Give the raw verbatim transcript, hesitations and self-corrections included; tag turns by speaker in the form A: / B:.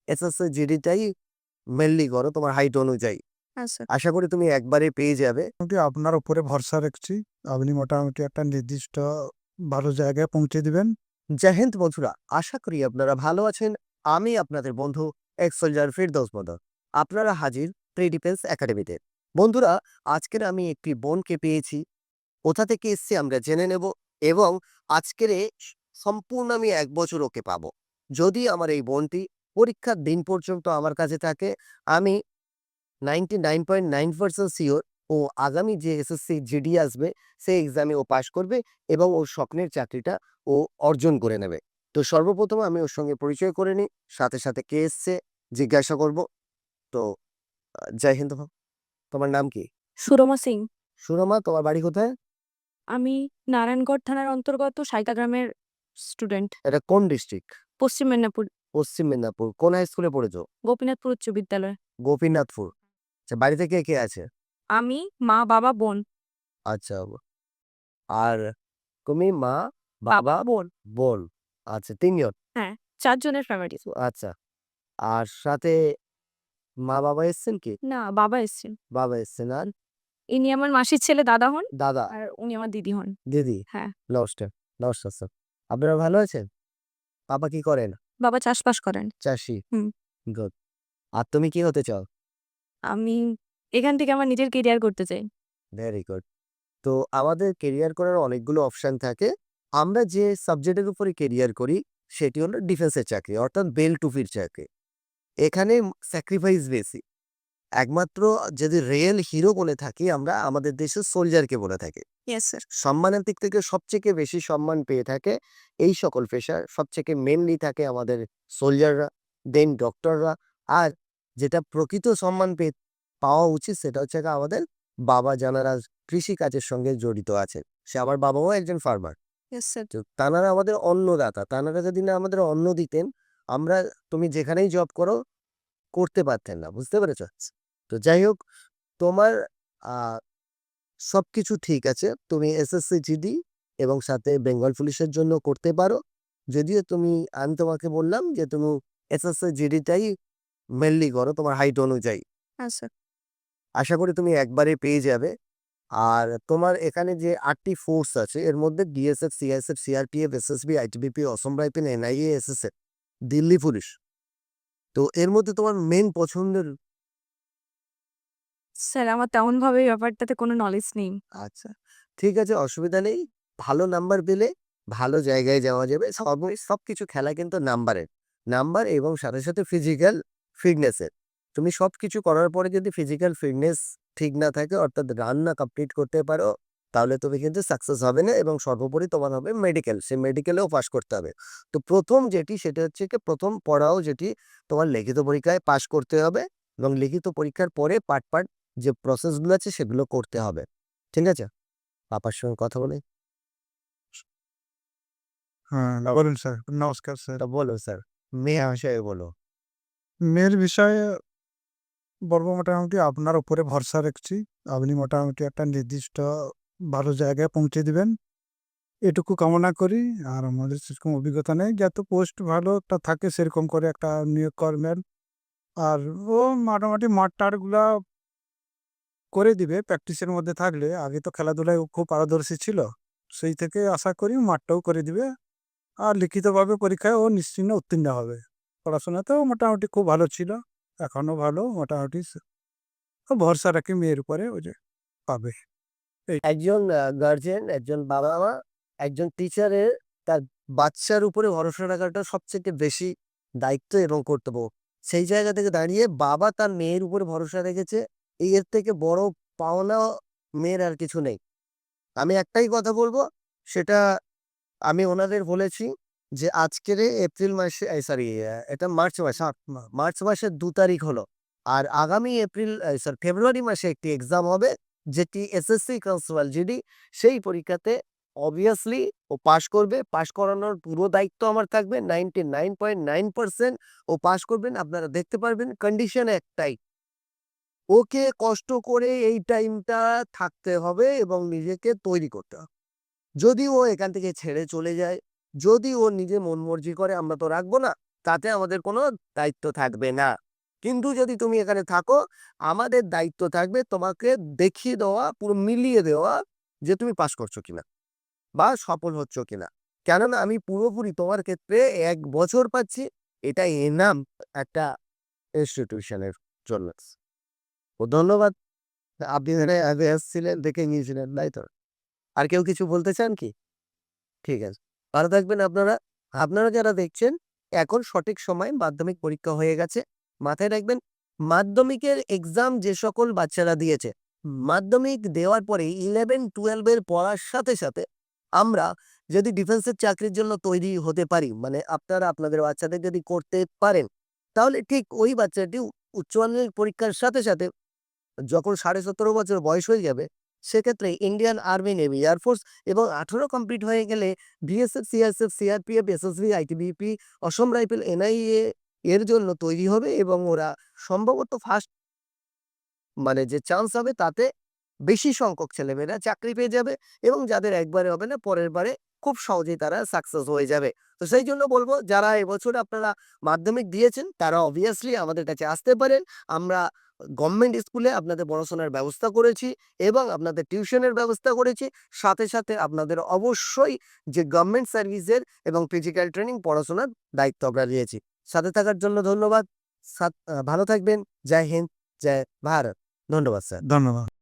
A: SSC জিডিটাই mainly করো তোমার height অনুযায়ী।
B: আচ্ছা।
A: আশা করি তুমি একবারে পেয়ে যাবে।
C: মোটামুটি আপনার উপরে ভরসা রাখছি। আপনি মোটামুটি একটা নির্দিষ্ট ভালো জায়গায় পৌঁছে দিবেন।
A: জয় হিন্দ বন্ধুরা, আশা করি আপনারা ভালো আছেন। আমি আপনাদের বন্ধু এক্স সোলজার ফিরদৌস মদন। আপনারা হাজির প্রি ডিফেন্স একাডেমিতে। বন্ধুরা, আজকের আমি একটি বোনকে পেয়েছি। কোথা থেকে এসছে আমরা জেনে নেব এবং আজকের এ স সম্পূর্ণ আমি এক বছর ওকে পাবো। যদি আমার এই বোনটি পরীক্ষার দিন পর্যন্ত আমার কাছে থাকে, আমি ninety nine point nine percent sure ও আগামী যে এসএসসি জিডি আসবে সেই এক্সামে ও পাশ করবে এবং ওর স্বপ্নের চাকরিটা ও অর্জন করে নেবে। তো সর্বপ্রথম আমি ওর সঙ্গে পরিচয় করে নিই, সাথে সাথে কে এসছে জিজ্ঞাসা করব। তো আ জয় হিন্দ ভাব। তোমার নাম কি?
B: সুরমা সিং।
A: সুরমা, তোমার বাড়ি কোথায়?
B: আমি নারায়ণগড় থানার অন্তর্গত সাইতা গ্রামের স্টুডেন্ট।
A: এটা কোন ডিস্ট্রিক্ট?
B: পশ্চিম মেদিনীপুর,
A: পশ্চিম মেদিনীপুর। কোন হাই স্কুলে পড়েছো?
B: গোপীনাথপুর উচ্চ বিদ্যালয়।
A: গোপীনাথপুর। আচ্ছা, বাড়িতে কে, কে আছে?
B: আমি, মা, বাবা, বোন।
A: আচ্ছা। আর তুমি মা, বাবা, বোন। বোন। আচ্ছা, তিন জন।
B: হ্যাঁ, চার জনের ফ্যামিলি।
A: আচ্ছা। আর সাথে মা-বাবা এসছেন কি?
B: না, বাবা এসছেন।
A: বাবা এসছেন। আর
B: ইনি আমার মাসির ছেলে দাদা হন
A: দাদা,
B: আর উনি আমার দিদি হন।
A: দিদি।
B: হ্যাঁ।
A: নমস্কার, নমস্কার স্যার। আপনারা ভালো আছেন? বাবা কি করেন?
B: বাবা চাষবাস করেন।
A: চাষী।
B: হুম।
A: গুড। আর তুমি কি হতে চাও?
B: আমি এখান থেকে আমার নিজের কেরিয়ার করতে চাই।
A: Very good. তো আমাদের কেরিয়ার করার অনেকগুলো অপশন থাকে। আমরা যে সাবজেক্টের উপরে কেরিয়ার করি সেটি হলো ডিফেন্সের চাকরি, অর্থাৎ বেল টুপির চাকরি। এখানে স্যাক্রিফাইস বেশি। একমাত্র যদি রিয়েল হিরো বলে থাকি আমরা, আমাদের দেশের সোলজারকে বলে থাকি।
B: Yes sir.
A: সম্মানের দিক থেকে সবথেকে বেশি সম্মান পেয়ে থাকে এই সকল পেশার সবথেকে মেনলি থাকে আমাদের সোলজাররা, দেন ডক্টররা। আর যেটা প্রকৃত সম্মান পেয়ে পাওয়া উচিত সেটা হচ্ছে গিয়ে আমাদের বাবা, যারা কৃষিকাজের সঙ্গে জড়িত আছে। সে আমার বাবাও একজন ফার্মার।
B: Yes sir.
A: তো তানারা আমাদের অন্নদাতা। তানারা যদি না আমাদের অন্ন দিতেন, আমরা তুমি যেখানেই জব করো করতে পারতেন না। বুঝতে পেরেছ? তো যাই হোক, তোমার আ সবকিছু ঠিক আছে। তুমি এসএসসি জিডি এবং সাথে বেঙ্গল পুলিশের জন্য করতে পারো। যদিও তুমি আমি তোমাকে বললাম যে তুমি এসএসসি জিডিটাই মেইনলি করো তোমার হাইট অনুযায়ী।
B: আচ্ছা।
A: আশা করি তুমি একবারে পেয়ে যাবে। আর তোমার এখানে যে আটটি ফোর্স আছে এর মধ্যে BSF, CISF, CRPF, SSB, ITBP, Assam rifle, NIA, SSF, Delhi police. তো এর মধ্যে তোমার মেইন পছন্দের?
B: স্যার আমার তেমনভাবে এই ব্যাপারটাতে কোনো নলেজ নেই।
A: আচ্ছা, ঠিক আছে, অসুবিধা নেই। ভালো নাম্বার পেলে ভালো জায়গায় যাওয়া যাবে। সব সবকিছু খেলা কিন্তু নাম্বারের। নাম্বার এবং সাথে, সাথে ফিজিক্যাল ফিটনেসের। তুমি সবকিছু করার পরে যদি ফিজিক্যাল ফিটনেস ঠিক না থাকে, অর্থাৎ রান না কমপ্লিট করতে পারো, তাহলে তুমি কিন্তু সাকসেস হবে না এবং সর্বোপরি তোমার হবে মেডিকেল। সেই মেডিকেলেও পাস করতে হবে। তো প্রথম যেটি সেটা হচ্ছে কি, প্রথম পড়াও যেটি তোমার লিখিত পরীক্ষায় পাস করতে হবে এবং লিখিত পরীক্ষার পরে পার্ট, পার্ট যে প্রসেসগুলো আছে সেগুলো করতে হবে। ঠিক আছে? পাপার সঙ্গে কথা বলে।
C: হ্যাঁ, বলুন স্যার। নমস্কার স্যার।
A: তা বলো স্যার, মেয়ে ভাষায় বলো।
C: মেয়ের বিষয়ে বলব মোটামুটি আপনার উপরে ভরসা রাখছি। আপনি মোটামুটি একটা নির্দিষ্ট ভালো জায়গায় পৌঁছে দিবেন। এটুকু কামনা করি। আর আমাদের সেরকম অভিজ্ঞতা নেই। যাতে পোস্ট ভালো একটা থাকে সেরকম করে একটা নিয়োগ করবেন। আর ও মোটামুটি মাঠ-টাঠগুলা করে দিবে প্র্যাকটিসের মধ্যে থাকলে। আগে তো খেলাধুলায় ও খুব পারদর্শী ছিল। সেই থেকে আশা করি মাঠটাও করে দিবে। আর লিখিতভাবে পরীক্ষায় ও নিশ্চিন্তে উত্তীর্ণ হবে। পড়াশোনাতেও মোটামুটি খুব ভালো ছিল। এখনো ভালো মোটামুটি স ও ভরসা রাখি মেয়ের উপরে, ও যে পাবে। এই
A: একজন আ গার্জিয়ান, একজন বাবা-মা, একজন টিচারের তার বাচ্চার উপরে ভরসা রাখাটা সবথেকে বেশি দায়িত্ব এবং কর্তব্য। সেই জায়গা থেকে দাঁড়িয়ে বাবা তার মেয়ের উপরে ভরসা রেখেছে, এর থেকে বড় পাওনা মেয়ের আর কিছু নেই। আমি একটাই কথা বলব, সেটা আমি ওনাদের বলেছি যে আজকের এপ্রিল মাসে এই সরি এটা মার্চ মাস,
C: মাঠ মা
A: মার্চ মাসের দুই তারিখ হলো। আর আগামী এপ্রিল এই সরি ফেব্রুয়ারি মাসে একটি এক্সাম হবে যেটি এসএসসি কনস্টেবল জিডি। সেই পরীক্ষাতে অবভিয়াসলি ও পাস করবে। পাস করানোর পুরো দায়িত্ব আমার থাকবে। Ninety nine point nine percent ও পাস করবেন। আপনারা দেখতে পারবেন, কন্ডিশন একটাই। ওকে কষ্ট করে এই টাইমটা থাকতে হবে এবং নিজেকে তৈরি করতে হবে। যদি ও এখান থেকে ছেড়ে চলে যায়, যদি ও নিজে মন মর্জি করে আমরা তো রাখবো না। তাতে আমাদের কোনো দায়িত্ব থাকবে না। কিন্তু যদি তুমি এখানে থাকো, আমাদের দায়িত্ব থাকবে তোমাকে দেখিয়ে দেওয়া, পুরো মিলিয়ে দেওয়া যে তুমি পাস করছো কিনা বা সফল হচ্ছ কিনা। কেননা আমি পুরোপুরি তোমার ক্ষেত্রে এক বছর পাচ্ছি, এটা এনাম একটা ইনস্টিটিউশনের জন্য। তো ধন্যবাদ। আপনি এখানে আগে এসেছিলেন, দেখে গিয়েছিলেন, তাই তো? আর কেউ কিছু বলতে চান কি? ঠিক আছে। ভালো থাকবেন আপনারা। আপনারা যারা দেখছেন, এখন সঠিক সময়ে মাধ্যমিক পরীক্ষা হয়ে গেছে। মাথায় রাখবেন, মাধ্যমিকের এক্সাম যে সকল বাচ্চারা দিয়েছে, মাধ্যমিক দেওয়ার পরে ইলেভেন টুয়েলভ এর পড়ার সাথে, সাথে আমরা যদি ডিফেন্সের চাকরির জন্য তৈরি হতে পারি, মানে আপনারা আপনাদের বাচ্চাদের যদি করতে পারেন, তাহলে ঠিক ওই বাচ্চাটি উ উচ্চ মাধ্যমিক পরীক্ষার সাথে, সাথে যখন সাড়ে সতেরো বছর বয়স হয়ে যাবে, সেক্ষেত্রে ইন্ডিয়ান আর্মি, নেভি, এয়ারফোর্স এবং আঠারো কমপ্লিট হয়ে গেলে BSF, CRSF, CRPF, SSB, ITBP, Assam rifle, NIA এর জন্য তৈরি হবে এবং ওরা সম্ভবত ফার্স্ট মানে যে চান্স হবে তাতে বেশি সংখ্যক ছেলেমেয়েরা চাকরি পেয়ে যাবে এবং যাদের একবারে হবে না, পরের বারে খুব সহজেই তারা সাকসেস হয়ে যাবে। তো সেই জন্য বলব, যারা এবছর আপনারা মাধ্যমিক দিয়েছেন তারা অবভিয়াসলি আমাদের কাছে আসতে পারেন। আমরা গভর্নমেন্ট স্কুলে আপনাদের পড়াশোনার ব্যবস্থা করেছি এবং আপনাদের টিউশনের ব্যবস্থা করেছি। সাথে, সাথে আপনাদের অবশ্যই যে গভর্নমেন্ট সার্ভিসের এবং ফিজিক্যাল ট্রেনিং পড়াশোনার দায়িত্ব আমরা নিয়েছি। সাথে থাকার জন্য ধন্যবাদ। সাথ আ ভালো থাকবেন। জয় হিন্দ, জয় ভারত। ধন্যবাদ স্যার।
C: ধন্যবাদ।